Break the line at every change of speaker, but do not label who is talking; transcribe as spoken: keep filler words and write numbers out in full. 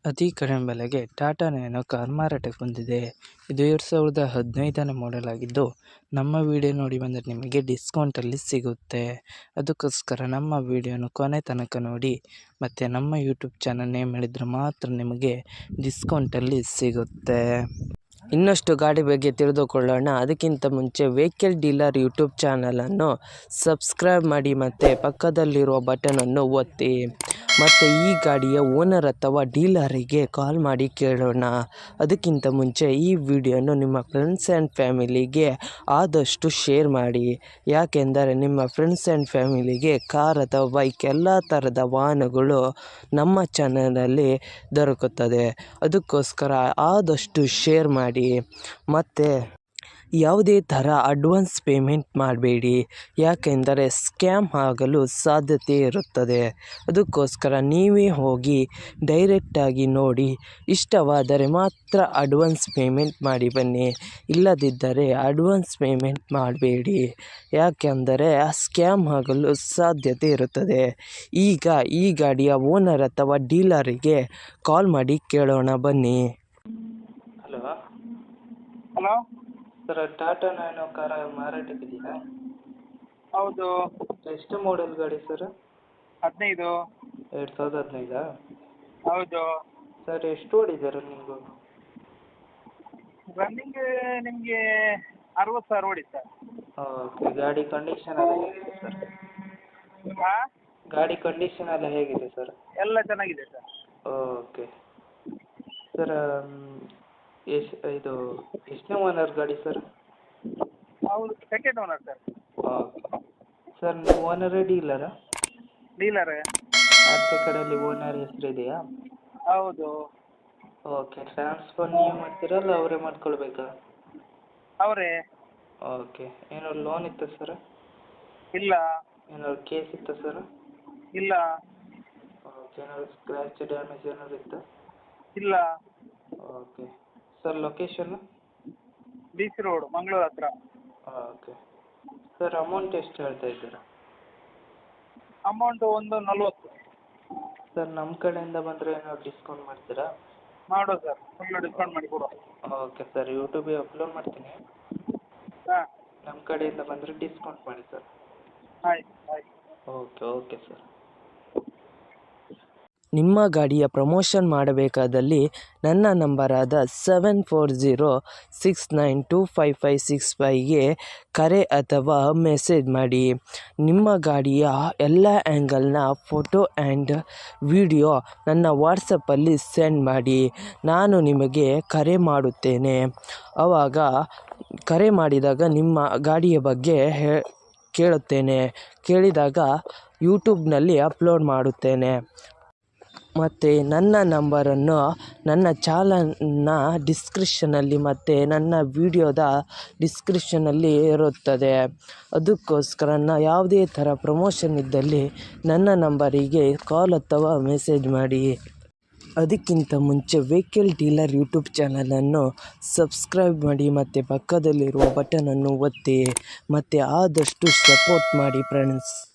ಅತಿ ಕಡಿಮೆ ಬೆಲೆಗೆ ಟಾಟಾ ನ್ಯಾನೊ ಕಾರ್ ಮಾರಾಟಕ್ಕೆ ಬಂದಿದೆ. ಇದು ಎರಡು ಸಾವಿರದ ಹದಿನೈದನೇ ಮಾಡೆಲ್ ಆಗಿದ್ದು, ನಮ್ಮ ವಿಡಿಯೋ ನೋಡಿ ಬಂದರೆ ನಿಮಗೆ ಡಿಸ್ಕೌಂಟಲ್ಲಿ ಸಿಗುತ್ತೆ. ಅದಕ್ಕೋಸ್ಕರ ನಮ್ಮ ವಿಡಿಯೋನ ಕೊನೆ ತನಕ ನೋಡಿ ಮತ್ತು ನಮ್ಮ ಯೂಟ್ಯೂಬ್ ಚಾನಲ್ ನೇಮ್ ಹೇಳಿದರೆ ಮಾತ್ರ ನಿಮಗೆ ಡಿಸ್ಕೌಂಟಲ್ಲಿ ಸಿಗುತ್ತೆ. ಇನ್ನಷ್ಟು ಗಾಡಿ ಬಗ್ಗೆ ತಿಳಿದುಕೊಳ್ಳೋಣ. ಅದಕ್ಕಿಂತ ಮುಂಚೆ ವೆಹಿಕಲ್ ಡೀಲರ್ ಯೂಟ್ಯೂಬ್ ಚಾನಲನ್ನು ಸಬ್ಸ್ಕ್ರೈಬ್ ಮಾಡಿ ಮತ್ತು ಪಕ್ಕದಲ್ಲಿರುವ ಬಟನನ್ನು ಒತ್ತಿ. ಮತ್ತು ಈ ಗಾಡಿಯ ಓನರ್ ಅಥವಾ ಡೀಲರಿಗೆ ಕಾಲ್ ಮಾಡಿ ಕೇಳೋಣ. ಅದಕ್ಕಿಂತ ಮುಂಚೆ ಈ ವಿಡಿಯೋನು ನಿಮ್ಮ ಫ್ರೆಂಡ್ಸ್ ಆ್ಯಂಡ್ ಫ್ಯಾಮಿಲಿಗೆ ಆದಷ್ಟು ಶೇರ್ ಮಾಡಿ. ಯಾಕೆಂದರೆ ನಿಮ್ಮ ಫ್ರೆಂಡ್ಸ್ ಆ್ಯಂಡ್ ಫ್ಯಾಮಿಲಿಗೆ ಕಾರ್ ಅಥವಾ ಬೈಕ್ ಎಲ್ಲ ಥರದ ವಾಹನಗಳು ನಮ್ಮ ಚಾನಲಲ್ಲಿ ದೊರಕುತ್ತದೆ. ಅದಕ್ಕೋಸ್ಕರ ಆದಷ್ಟು ಶೇರ್ ಮಾಡಿ. ಮತ್ತು ಯಾವುದೇ ಥರ ಅಡ್ವಾನ್ಸ್ ಪೇಮೆಂಟ್ ಮಾಡಬೇಡಿ, ಯಾಕೆಂದರೆ ಸ್ಕ್ಯಾಮ್ ಆಗಲು ಸಾಧ್ಯತೆ ಇರುತ್ತದೆ. ಅದಕ್ಕೋಸ್ಕರ ನೀವೇ ಹೋಗಿ ಡೈರೆಕ್ಟಾಗಿ ನೋಡಿ, ಇಷ್ಟವಾದರೆ ಮಾತ್ರ ಅಡ್ವಾನ್ಸ್ ಪೇಮೆಂಟ್ ಮಾಡಿ ಬನ್ನಿ. ಇಲ್ಲದಿದ್ದರೆ ಅಡ್ವಾನ್ಸ್ ಪೇಮೆಂಟ್ ಮಾಡಬೇಡಿ, ಯಾಕೆಂದರೆ ಸ್ಕ್ಯಾಮ್ ಆಗಲು ಸಾಧ್ಯತೆ ಇರುತ್ತದೆ. ಈಗ ಈ ಗಾಡಿಯ ಓನರ್ ಅಥವಾ ಡೀಲರಿಗೆ ಕಾಲ್ ಮಾಡಿ ಕೇಳೋಣ ಬನ್ನಿ.
Hello
hello
sir, Tata nano ಕಾರ ಮಾರಾಟಕ್ಕಿದೆಯಾ?
ಹೌದು.
ಎಷ್ಟು ಮಾಡೆಲ್ ಗಾಡಿ ಸರ್?
ಹದಿನೈದು.
ಎರಡು ಸಾವಿರದ ಹದಿನೈದಾ?
ಹೌದು.
ಸರ್, ಎಷ್ಟು ಓಡಿದೆ ರನ್ನಿಂಗು?
ರನ್ನಿಂಗ್ ನಿಮಗೆ ಅರವತ್ತು ಸಾವಿರ ಓಡಿ ಸರ್.
ಓಕೆ. ಗಾಡಿ ಕಂಡೀಷನ್ ಎಲ್ಲ ಹೇಗಿದೆ ಸರ್?
ಹಾಂ,
ಗಾಡಿ ಕಂಡೀಷನ್ ಎಲ್ಲ ಹೇಗಿದೆ ಸರ್?
ಎಲ್ಲ ಚೆನ್ನಾಗಿದೆ ಸರ್.
ಓಕೆ ಸರ್, ಎಸ್ ಇದು ಎಷ್ಟನೇ ಓನರ್ ಗಾಡಿ ಸರ್?
ಹೌದು, second owner sir.
Okay sir, ನೀವು ಓನರೇ ಡೀಲರಾ?
ಡೀಲರೇ.
ಆಚೆ ಕಡೆಯಲ್ಲಿ ಓನರ್ ಹೆಸರು ಇದೆಯಾ?
ಹೌದು.
ಓಕೆ. ಟ್ರಾನ್ಸ್ಫರ್ ನೀವು ಮಾಡ್ತೀರಾ ಅಲ್ಲ ಅವರೇ ಮಾಡ್ಕೊಳ್ಬೇಕಾ?
ಅವರೇ.
ಓಕೆ. ಏನಾದ್ರು ಲೋನ್ ಇತ್ತಾ ಸರ್?
ಇಲ್ಲ.
ಏನಾದ್ರು ಕೇಸ್ ಇತ್ತಾ ಸರ್?
ಇಲ್ಲ.
ಓಕೆ. ಏನಾದ್ರು ಸ್ಕ್ರ್ಯಾಚ್ ಡ್ಯಾಮೇಜ್ ಏನಾದ್ರು ಇತ್ತಾ?
ಇಲ್ಲ.
Okay sir, location?
B C road, Mangaluru ಹತ್ರ.
ಓಕೆ ಸರ್, ಅಮೌಂಟ್ ಎಷ್ಟು ಹೇಳ್ತಾ ಇದ್ದೀರಾ?
ಅಮೌಂಟು ಒಂದು ನಲ್ವತ್ತು.
ಸರ್, ನಮ್ಮ ಕಡೆಯಿಂದ ಬಂದರೆ ಏನಾದ್ರು ಡಿಸ್ಕೌಂಟ್ ಮಾಡ್ತೀರಾ?
ಮಾಡುವ ಸರ್, ಫುಲ್ಲು ಡಿಸ್ಕೌಂಟ್ ಮಾಡಿ ಕೊಡುವ.
ಓಕೆ ಸರ್, ಯೂಟ್ಯೂಬಿಗೆ ಅಪ್ಲೋಡ್ ಮಾಡ್ತೀನಿ.
ಹಾಂ,
ನಮ್ಮ ಕಡೆಯಿಂದ ಬಂದರೆ ಡಿಸ್ಕೌಂಟ್ ಮಾಡಿ ಸರ್.
ಆಯ್ತು ಆಯ್ತು.
Okay okay sir.
ನಿಮ್ಮ ಗಾಡಿಯ ಪ್ರಮೋಷನ್ ಮಾಡಬೇಕಾದಲ್ಲಿ ನನ್ನ ನಂಬರಾದ seven four zero six nine two five five six ಫೈವ್ಗೆ ಕರೆ ಅಥವಾ ಮೆಸೇಜ್ ಮಾಡಿ. ನಿಮ್ಮ ಗಾಡಿಯ ಎಲ್ಲ ಆ್ಯಂಗಲ್ನ ಫೋಟೋ ಆ್ಯಂಡ್ ವಿಡಿಯೋ ನನ್ನ ವಾಟ್ಸಪ್ಪಲ್ಲಿ ಸೆಂಡ್ ಮಾಡಿ. ನಾನು ನಿಮಗೆ ಕರೆ ಮಾಡುತ್ತೇನೆ. ಆವಾಗ ಕರೆ ಮಾಡಿದಾಗ ನಿಮ್ಮ ಗಾಡಿಯ ಬಗ್ಗೆ ಹೇ ಕೇಳುತ್ತೇನೆ. ಕೇಳಿದಾಗ ಯೂಟ್ಯೂಬ್ನಲ್ಲಿ ಅಪ್ಲೋಡ್ ಮಾಡುತ್ತೇನೆ. ಮತ್ತು ನನ್ನ ನಂಬರನ್ನು ನನ್ನ ಚಾನಲ್ನ ಡಿಸ್ಕ್ರಿಪ್ಷನಲ್ಲಿ ಮತ್ತು ನನ್ನ ವಿಡಿಯೋದ ಡಿಸ್ಕ್ರಿಪ್ಷನಲ್ಲಿ ಇರುತ್ತದೆ. ಅದಕ್ಕೋಸ್ಕರ ನಾ ಯಾವುದೇ ಥರ ಪ್ರಮೋಷನ್ ಇದ್ದಲ್ಲಿ ನನ್ನ ನಂಬರಿಗೆ ಕಾಲ್ ಅಥವಾ ಮೆಸೇಜ್ ಮಾಡಿ. ಅದಕ್ಕಿಂತ ಮುಂಚೆ ವೆಹಿಕಲ್ ಡೀಲರ್ ಯೂಟ್ಯೂಬ್ ಚಾನಲನ್ನು ಸಬ್ಸ್ಕ್ರೈಬ್ ಮಾಡಿ ಮತ್ತು ಪಕ್ಕದಲ್ಲಿರುವ ಬಟನನ್ನು ಒತ್ತಿ ಮತ್ತು ಆದಷ್ಟು ಸಪೋರ್ಟ್ ಮಾಡಿ ಫ್ರೆಂಡ್ಸ್.